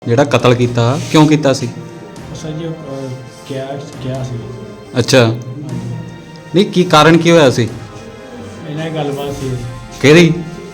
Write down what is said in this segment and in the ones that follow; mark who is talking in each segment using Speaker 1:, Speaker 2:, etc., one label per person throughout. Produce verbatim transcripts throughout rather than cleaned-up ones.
Speaker 1: ਜਿਹੜਾ ਕਤਲ ਕੀਤਾ ਕਿਉਂ ਕੀਤਾ ਸੀ?
Speaker 2: ਸਰ ਜੀ ਕਿਹਾ ਕਿਹਾ ਸੀ।
Speaker 1: ਅੱਛਾ, ਨਹੀਂ ਕੀ ਕਾਰਨ ਕੀ ਹੋਇਆ ਸੀ?
Speaker 2: ਇਹਨਾਂ ਦੀ ਗੱਲਬਾਤ ਸੀ
Speaker 1: ਕਿਹੜੀ?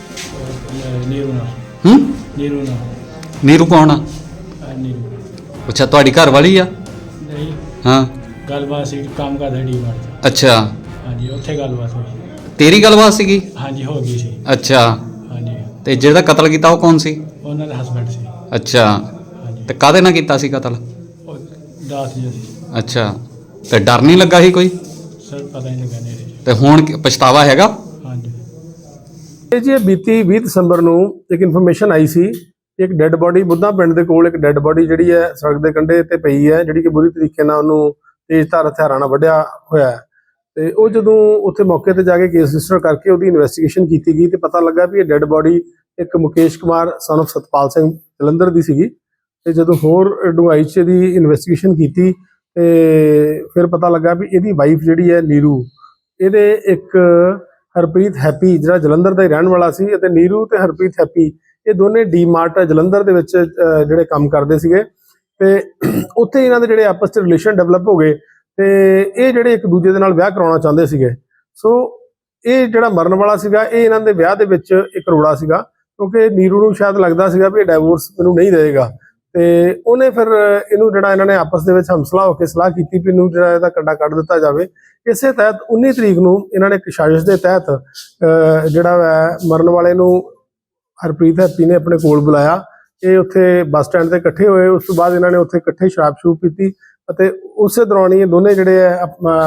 Speaker 2: ਅਹ, ਨੀਰੂ ਨਾਲ
Speaker 1: ਹੂੰ
Speaker 2: ਨੀਰੂ ਨਾਲ
Speaker 1: ਨੀਰੂ ਕੌਣ ਆ?
Speaker 2: ਅਹ, ਨੀਰੂ
Speaker 1: ਅੱਛਾ, ਤੁਹਾਡੀ ਘਰ ਵਾਲੀ ਆ?
Speaker 2: ਨਹੀਂ,
Speaker 1: ਹਾਂ,
Speaker 2: ਗੱਲਬਾਤ ਸੀ ਕੰਮ ਕਰਦਾ ਡੀ ਮਾਰਟ।
Speaker 1: ਅੱਛਾ,
Speaker 2: ਹਾਂਜੀ, ਉੱਥੇ ਗੱਲਬਾਤ ਹੋਈ।
Speaker 1: ਤੇਰੀ ਗੱਲਬਾਤ ਸੀਗੀ?
Speaker 2: ਹਾਂਜੀ, ਹੋ ਗਈ ਸੀ।
Speaker 1: ਅੱਛਾ,
Speaker 2: ਹਾਂਜੀ,
Speaker 1: ਤੇ ਜਿਹੜਾ ਕਤਲ ਕੀਤਾ ਉਹ ਕੌਣ ਸੀ?
Speaker 2: ਉਹਨਾਂ ਦਾ ਹਸਬੈਂਡ ਸੀ।
Speaker 1: ਅੱਛਾ,
Speaker 2: ਹਾਂਜੀ,
Speaker 1: ਤੇ ਕਾਹਦੇ ਨਾਲ ਕੀਤਾ ਸੀ ਕਤਲ?
Speaker 2: ਉਹ ਦਾਸ ਜੀ ਸੀ।
Speaker 1: ਅੱਛਾ, ਤੇ ਡਰ ਨਹੀਂ ਲੱਗਾ ਸੀ ਕੋਈ?
Speaker 2: ਸਰ ਪਤਾ ਨਹੀਂ ਲੱਗਾ ਨੇੜੇ।
Speaker 1: ਤੇ ਹੁਣ ਕੀ- ਪਛਤਾਵਾ ਹੈਗਾ?
Speaker 2: ਹਾਂਜੀ,
Speaker 3: ਇਹ ਜੀ ਬੀਤੀ ਵੀਹ ਦਸੰਬਰ ਨੂੰ ਇੱਕ ਇਨਫੋਰਮੇਸ਼ਨ ਆਈ ਸੀ, ਇੱਕ ਡੈੱਡ ਬੋਡੀ ਬੁੱਧਾ ਪਿੰਡ ਦੇ ਕੋਲ ਇੱਕ ਡੈੱਡ ਬੋਡੀ ਜਿਹੜੀ ਹੈ ਸੜਕ ਦੇ ਕੰਢੇ ਤੇ ਪਈ ਹੈ, ਜਿਹੜੀ ਕਿ ਬੁਰੀ ਤਰੀਕੇ ਨਾਲ ਉਹਨੂੰ ਤੇਜ਼ਧਾਰ ਹਥਿਆਰਾਂ ਨਾਲ ਵੱਢਿਆ ਹੋਇਆ ਹੈ। ਤੇ ਉਹ ਜਦੋਂ ਉੱਥੇ ਮੌਕੇ ਤੇ ਜਾ ਕੇ ਕੇਸ ਰਜਿਸਟਰ ਕਰਕੇ ਉਹਦੀ ਇਨਵੈਸਟੀਗੇਸ਼ਨ ਕੀਤੀ ਗਈ ਤੇ ਪਤਾ ਲੱਗਾ ਵੀ ਇਹ ਡੈੱਡ ਬੋਡੀ ਇੱਕ ਮੁਕੇਸ਼ ਕੁਮਾਰ ਸਨ ਆਫ ਸਤਪਾਲ ਸਿੰਘ ਜਲੰਧਰ ਦੀ ਸੀਗੀ। ਤੇ ਜਦੋਂ ਹੋਰ ਡੂੰਘਾਈ 'ਚ ਇਹਦੀ ਇਨਵੈਸਟੀਗੇਸ਼ਨ ਕੀਤੀ ਤੇ ਫਿਰ ਪਤਾ ਲੱਗਾ ਵੀ ਇਹਦੀ ਵਾਈਫ ਜਿਹੜੀ ਹੈ ਨੀਰੂ, ਇਹਦੇ ਇੱਕ ਹਰਪ੍ਰੀਤ ਹੈਪੀ ਜਿਹੜਾ ਜਲੰਧਰ ਦਾ ਹੀ ਰਹਿਣ ਵਾਲਾ ਸੀ, ਅਤੇ ਨੀਰੂ ਤੇ ਹਰਪ੍ਰੀਤ ਹੈਪੀ ਇਹ ਦੋਨੇ ਡੀ ਮਾਰਟ ਜਲੰਧਰ ਦੇ ਵਿੱਚ ਅਹ, ਜਿਹੜੇ ਕੰਮ ਕਰਦੇ ਸੀਗੇ। ਤੇ ਉੱਥੇ ਇਹਨਾਂ ਦੇ ਜਿਹੜੇ ਆਪਸ 'ਚ ਰਿਲੇਸ਼ਨ ਡਿਵੈਲਪ ਹੋ ਗਏ ਤੇ ਇਹ ਜਿਹੜੇ ਇੱਕ ਦੂਜੇ ਦੇ ਨਾਲ ਵਿਆਹ ਕਰਾਉਣਾ ਚਾਹੁੰਦੇ ਸੀਗੇ। ਸੋ ਇਹ ਜਿਹੜਾ ਮਰਨ ਵਾਲਾ ਸੀਗਾ ਇਹ ਇਹਨਾਂ ਦੇ ਵਿਆਹ ਦੇ ਵਿੱਚ ਇੱਕ ਰੋੜਾ ਸੀਗਾ, ਕਿਉਂਕਿ ਨੀਰੂ ਨੂੰ ਸ਼ਾਇਦ ਲੱਗਦਾ ਸੀਗਾ ਵੀ ਇਹ ਡਾਈਵੋਰਸ ਮੈਨੂੰ ਨਹੀਂ ਦੇਵੇਗਾ। ਤੇ ਉਹਨੇ ਫਿਰ ਇਹਨੂੰ ਜਿਹੜਾ ਇਹਨਾਂ ਨੇ ਆਪਸ ਦੇ ਵਿੱਚ ਹਮਸਲਾ ਹੋ ਕੇ ਸਲਾਹ ਕੀਤੀ ਵੀ ਇਹਨੂੰ ਜਿਹੜਾ ਇਹਦਾ ਕੰਡਾ ਕੱਢ ਦਿੱਤਾ ਜਾਵੇ। ਇਸੇ ਤਹਿਤ ਉੱਨੀ ਤਰੀਕ ਨੂੰ ਇਹਨਾਂ ਨੇ ਇੱਕ ਸਾਜ਼ਿਸ਼ ਦੇ ਤਹਿਤ ਅਹ, ਜਿਹੜਾ ਹੈ ਮਰਨ ਵਾਲੇ ਨੂੰ ਹਰਪ੍ਰੀਤ ਹੈਪੀ ਨੇ ਆਪਣੇ ਕੋਲ ਬੁਲਾਇਆ। ਇਹ ਉੱਥੇ ਬੱਸ ਸਟੈਂਡ ਤੇ ਇਕੱਠੇ ਹੋਏ। ਉਸ ਤੋਂ ਬਾਅਦ ਇਹਨਾਂ ਨੇ ਉੱਥੇ ਇਕੱਠੇ ਸ਼ਰਾਬ ਸ਼ੂਬ ਪੀਤੀ ਅਤੇ ਉਸੇ ਦੌਰਾਨ ਹੀ ਇਹ ਦੋਨੇ ਜਿਹੜੇ ਹੈ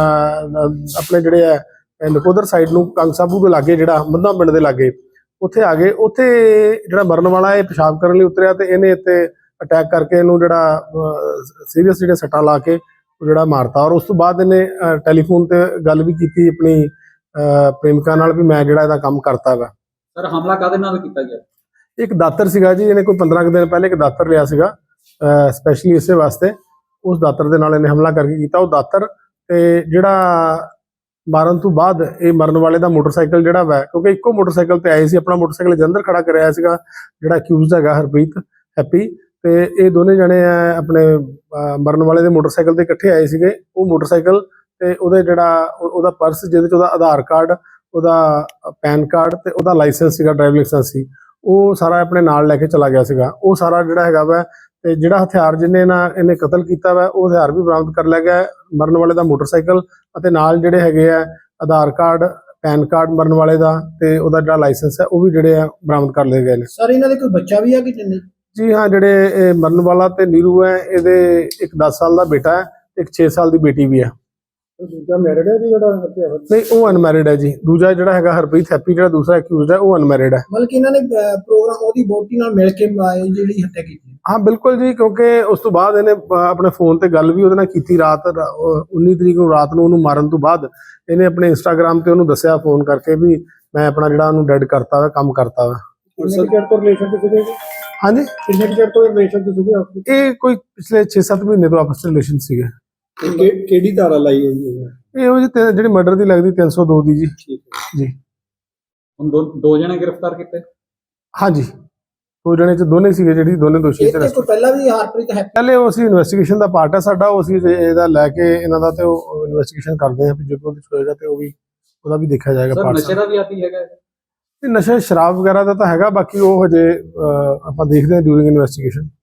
Speaker 3: ਆਪਣੇ ਜਿਹੜੇ ਹੈ ਨਕੋਦਰ ਸਾਈਡ ਨੂੰ ਕੰਗ ਸਾਬੂ ਦੇ ਲਾਗੇ, ਜਿਹੜਾ ਮੱਧਾ ਪਿੰਡ ਦੇ ਲਾਗੇ, ਉੱਥੇ ਆ ਗਏ। ਉੱਥੇ ਜਿਹੜਾ ਮਰਨ ਵਾਲਾ ਇਹ ਪਿਸ਼ਾਬ ਕਰਨ ਲਈ ਉਤਰਿਆ ਤੇ ਇਹਨੇ ਇੱਥੇ ਅਟੈਕ ਕਰਕੇ ਇਹਨੂੰ ਜਿਹੜਾ ਸੀਰੀਅਸ ਜਿਹੜੇ ਸੱਟਾਂ ਲਾ ਕੇ ਜਿਹੜਾ ਮਾਰਤਾ। ਔਰ ਉਸ ਤੋਂ ਬਾਅਦ ਇਹਨੇ ਟੈਲੀਫੋਨ ਤੇ ਗੱਲ ਵੀ ਕੀਤੀ ਆਪਣੀ ਪ੍ਰੇਮਿਕਾ ਨਾਲ ਵੀ ਮੈਂ ਜਿਹੜਾ ਇਹਦਾ ਕੰਮ ਕਰਤਾ ਵਾ।
Speaker 1: ਸਰ, ਹਮਲਾ ਕਾਹਦੇ ਨਾਲ ਕੀਤਾ ਗਿਆ?
Speaker 3: ਇੱਕ ਦਾਤਰ ਸੀਗਾ ਜੀ, ਇਹਨੇ ਕੋਈ ਪੰਦਰਾਂ ਕੁ ਦਿਨ ਪਹਿਲੇ ਇੱਕ ਦਾਤਰ ਲਿਆ ਸੀਗਾ ਸਪੈਸ਼ਲੀ ਇਸੇ ਵਾਸਤੇ। ਉਸ ਦਾਤਰ ਦੇ ਨਾਲ ਇਹਨੇ ਹਮਲਾ ਕਰਕੇ ਕੀਤਾ। ਉਹ ਦਾਤਰ ਤੇ ਜਿਹੜਾ ਮਾਰਨ ਤੋਂ ਬਾਅਦ ਇਹ ਮਰਨ ਵਾਲੇ ਦਾ ਮੋਟਰਸਾਈਕਲ ਜਿਹੜਾ ਵਾ, ਕਿਉਂਕਿ ਇੱਕੋ ਮੋਟਰਸਾਈਕਲ ਤੇ ਆਏ ਸੀ, ਆਪਣਾ ਮੋਟਰਸਾਈਕਲ ਜਲੰਧਰ ਖੜਾ ਕਰਿਆ ਸੀਗਾ ਜਿਹੜਾ ਅਕਿਊਜ਼ਡ ਹੈਗਾ ਹਰਪ੍ਰੀਤ ਹੈਪੀ। ਤੇ ਇਹ ਦੋਨੇ ਜਣੇ ਆਪਣੇ ਮਰਨ ਵਾਲੇ ਦੇ ਮੋਟਰਸਾਈਕਲ ਤੇ ਇਕੱਠੇ ਆਏ ਸੀਗੇ। ਉਹ ਮੋਟਰਸਾਈਕਲ ਤੇ ਉਹਦੇ ਜਿਹੜਾ ਉਹਦਾ ਪਰਸ ਜਿਹਦੇ 'ਚ ਉਹਦਾ ਆਧਾਰ ਕਾਰਡ, ਉਹਦਾ ਪੈਨ ਕਾਰਡ ਤੇ ਉਹਦਾ ਲਾਇਸੈਂਸ ਸੀਗਾ, ਡਰਾਈਵਿੰਗ ਲਾਇਸੈਂਸ ਸੀ, ਉਹ ਸਾਰਾ ਆਪਣੇ ਨਾਲ ਲੈ ਕੇ ਚਲਾ ਗਿਆ ਸੀਗਾ। ਉਹ ਸਾਰਾ ਜਿਹੜਾ ਹੈਗਾ ਵਾ ਤੇ ਜਿਹੜਾ ਹਥਿਆਰ ਜਿਹਨੇ ਨਾ ਇਹਨੇ ਕਤਲ ਕੀਤਾ ਵਾ ਉਹ ਹਥਿਆਰ ਵੀ ਬਰਾਮਦ ਕਰ ਲਿਆ ਗਿਆ। ਮਰਨ ਵਾਲੇ ਦਾ ਮੋਟਰਸਾਈਕਲ ਅਤੇ ਨਾਲ ਜਿਹੜੇ ਹੈਗੇ ਆ ਆਧਾਰ ਕਾਰਡ, ਪੈਨ ਕਾਰਡ ਮਰਨ ਵਾਲੇ ਦਾ ਤੇ ਉਹਦਾ ਜਿਹੜਾ ਲਾਇਸੈਂਸ ਹੈ ਉਹ ਵੀ ਜਿਹੜੇ ਆ ਬਰਾਮਦ ਕਰ ਲਏ ਗਏ ਨੇ।
Speaker 2: ਸਰ ਇਹਨਾਂ ਦੇ ਕੋਈ ਬੱਚਾ ਵੀ ਆ ਕਿ ਨਹੀਂ?
Speaker 3: ਜੀ ਹਾਂ, ਜਿਹੜੇ ਇਹ ਮਰਨ ਵਾਲਾ ਤੇ ਨੀਰੂ ਹੈ, ਇਹਦੇ ਇੱਕ ਦਸ ਸਾਲ ਦਾ ਬੇਟਾ ਹੈ, ਇੱਕ ਛੇ ਸਾਲ ਦੀ ਬੇਟੀ ਵੀ ਹੈ।
Speaker 2: ਦੂਜਾ ਮੈਰਿਡ ਹੈ ਜੀ ਜਿਹੜਾ?
Speaker 3: ਨਹੀਂ, ਉਹ ਅਨਮੈਰਿਡ ਹੈ ਜੀ। ਦੂਜਾ ਜਿਹੜਾ ਹੈਗਾ ਹਰਪ੍ਰੀਤ ਹੈਪੀ, ਜਿਹੜਾ ਦੂਸਰਾ ਅਕਿਊਜ਼ਡ ਹੈ, ਉਹ ਅਨਮੈਰਿਡ ਹੈ।
Speaker 2: ਮਤਲਬ ਕਿ ਇਹਨਾਂ ਨੇ ਪ੍ਰੋਗਰਾਮ ਉਹਦੀ ਵੋਟੀ ਨਾਲ ਮਿਲ ਕੇ ਜਿਹੜੀ ਹੱਤਿਆ ਕੀਤੀ?
Speaker 3: ਹਾਂ ਬਿਲਕੁਲ ਜੀ, ਕਿਉਂਕਿ ਉਸ ਤੋਂ ਬਾਅਦ ਇਹਨੇ ਆਪਣੇ ਫੋਨ ਤੇ ਗੱਲ ਵੀ ਉਹਦੇ ਨਾਲ ਕੀਤੀ ਰਾਤ ਉੱਨੀ ਤਰੀਕ ਨੂੰ ਰਾਤ ਨੂੰ। ਉਹਨੂੰ ਮਾਰਨ ਤੋਂ ਬਾਅਦ ਇਹਨੇ ਆਪਣੇ ਇੰਸਟਾਗ੍ਰਾਮ ਤੇ ਉਹਨੂੰ ਦੱਸਿਆ ਫੋਨ ਕਰਕੇ ਵੀ ਮੈਂ ਆਪਣਾ ਜਿਹੜਾ ਉਹਨੂੰ ਡੈਡ ਕਰਤਾ ਵਾ, ਕੰਮ ਕਰਤਾ ਵਾ। ਹਾਂਜੀ,
Speaker 2: ਕਿੰਨੇ ਚਿਰ ਤੋਂ ਰਿਲੇਸ਼ਨ ਚ ਸੀਗੇ?
Speaker 3: ਇਹ ਕੋਈ ਪਿਛਲੇ ਛੇ ਸੱਤ ਮਹੀਨੇ ਤੋਂ ਆਪਸ ਚ ਰਿਲੇਸ਼ਨ ਸੀਗੇ।
Speaker 2: ਕਿਹੜੀ ਧਾਰਾ ਲਾਈ ਹੋਈ ਹੈ
Speaker 3: ਇਹ ਉਹ ਜੀ ਜਿਹੜੀ ਮਰਡਰ ਦੀ ਲੱਗਦੀ ਤਿੰਨ ਸੌ ਦੋ ਦੀ ਜੀ। ਜੀ,
Speaker 1: ਹੁਣ ਦੋ ਦੋ ਜਣੇ ਗ੍ਰਿਫਤਾਰ ਕੀਤੇ?
Speaker 3: ਹਾਂਜੀ, ਦੋ ਜਣੇ ਚ ਦੋਨੇ ਸੀਗੇ, ਜਿਹੜੀ ਦੋਨੇ ਦੋਸ਼ੀ
Speaker 2: ਇਸ ਤੋਂ ਪਹਿਲਾਂ ਵੀ ਹਰਪ੍ਰੀਤ ਹੈ?
Speaker 3: ਪਹਿਲੇ ਉਹ ਅਸੀਂ ਇਨਵੈਸਟੀਗੇਸ਼ਨ ਦਾ ਪਾਰਟ ਹੈ ਸਾਡਾ, ਉਹ ਅਸੀਂ ਇਹਦਾ ਲੈ ਕੇ ਇਹਨਾਂ ਦਾ ਤੇ ਉਹ ਇਨਵੈਸਟੀਗੇਸ਼ਨ ਕਰਦੇ ਹਾਂ ਵੀ ਜੇ ਕੋਈ ਹੋਏਗਾ ਤੇ ਉਹ ਵੀ ਉਹਦਾ ਵੀ ਦੇਖਿਆ ਜਾਏਗਾ।
Speaker 1: ਸਰ, ਨਸ਼ੇ ਦਾ ਵੀ ਆਦੀ ਹੈਗਾ?
Speaker 3: ਨਸ਼ਾ ਸ਼ਰਾਬ ਵਗੈਰਾ ਦਾ ਤਾਂ ਹੈਗਾ, ਬਾਕੀ ਉਹ ਹਜੇ ਆਪਾਂ ਦੇਖਦੇ ਹਾਂ ਡਿਊਰਿੰਗ ਇਨਵੈਸਟੀਗੇਸ਼ਨ।